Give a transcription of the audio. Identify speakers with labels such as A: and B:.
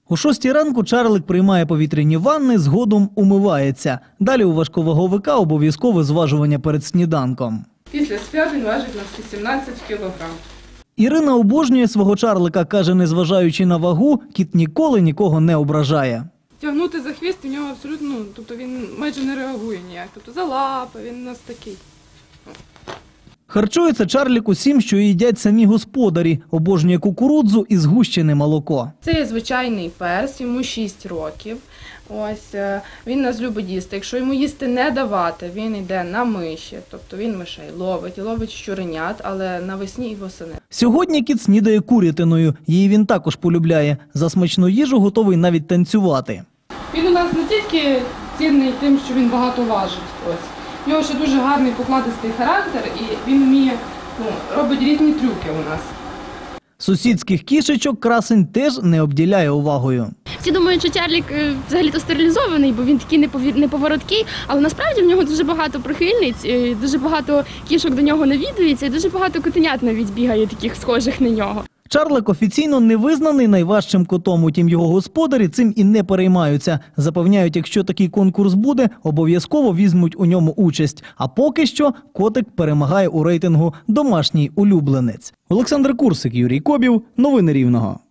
A: О 6 ранку Чарлик приймає повітряні ванни, згодом умивається. Далі у важковаговика обов'язкове зважування перед сніданком.
B: Після свят він важить у нас 18 кілограм.
A: Ірина обожнює свого Чарлика, каже, незважаючи на вагу, кіт ніколи нікого не ображає.
B: Тягнути за хвіст у нього абсолютно, тобто він майже не реагує ніяк. Тобто за лапи, він у нас такий.
A: Харчується Чарлик усім, що їдять самі господарі. Обожнює кукурудзу і згущене молоко.
B: Це є звичайний пес, йому 6 років. Ось, він нас любить їсти. Якщо йому їсти не давати, він йде на миші, тобто він мишей ловить щуренят, але навесні і восени.
A: Сьогодні кіт снідає курятиною. Її він також полюбляє. За смачну їжу готовий навіть танцювати.
B: Він у нас не тільки цінний тим, що він багато важить. Ось. У нього ще дуже гарний покладистий характер і він вміє, робить різні трюки у нас.
A: Сусідських кішечок красень теж не обділяє увагою.
C: Всі думають, що Чарлик взагалі-то стерилізований, бо він такий неповороткий, але насправді в нього дуже багато прихильниць, дуже багато кішок до нього навідується і дуже багато котенят навіть бігає таких схожих на нього.
A: Чарлик офіційно не визнаний найважчим котом, утім його господарі цим і не переймаються. Запевняють, якщо такий конкурс буде, обов'язково візьмуть у ньому участь. А поки що котик перемагає у рейтингу «Домашній улюбленець». Олександр Курсик, Юрій Кобів. Новини Рівного.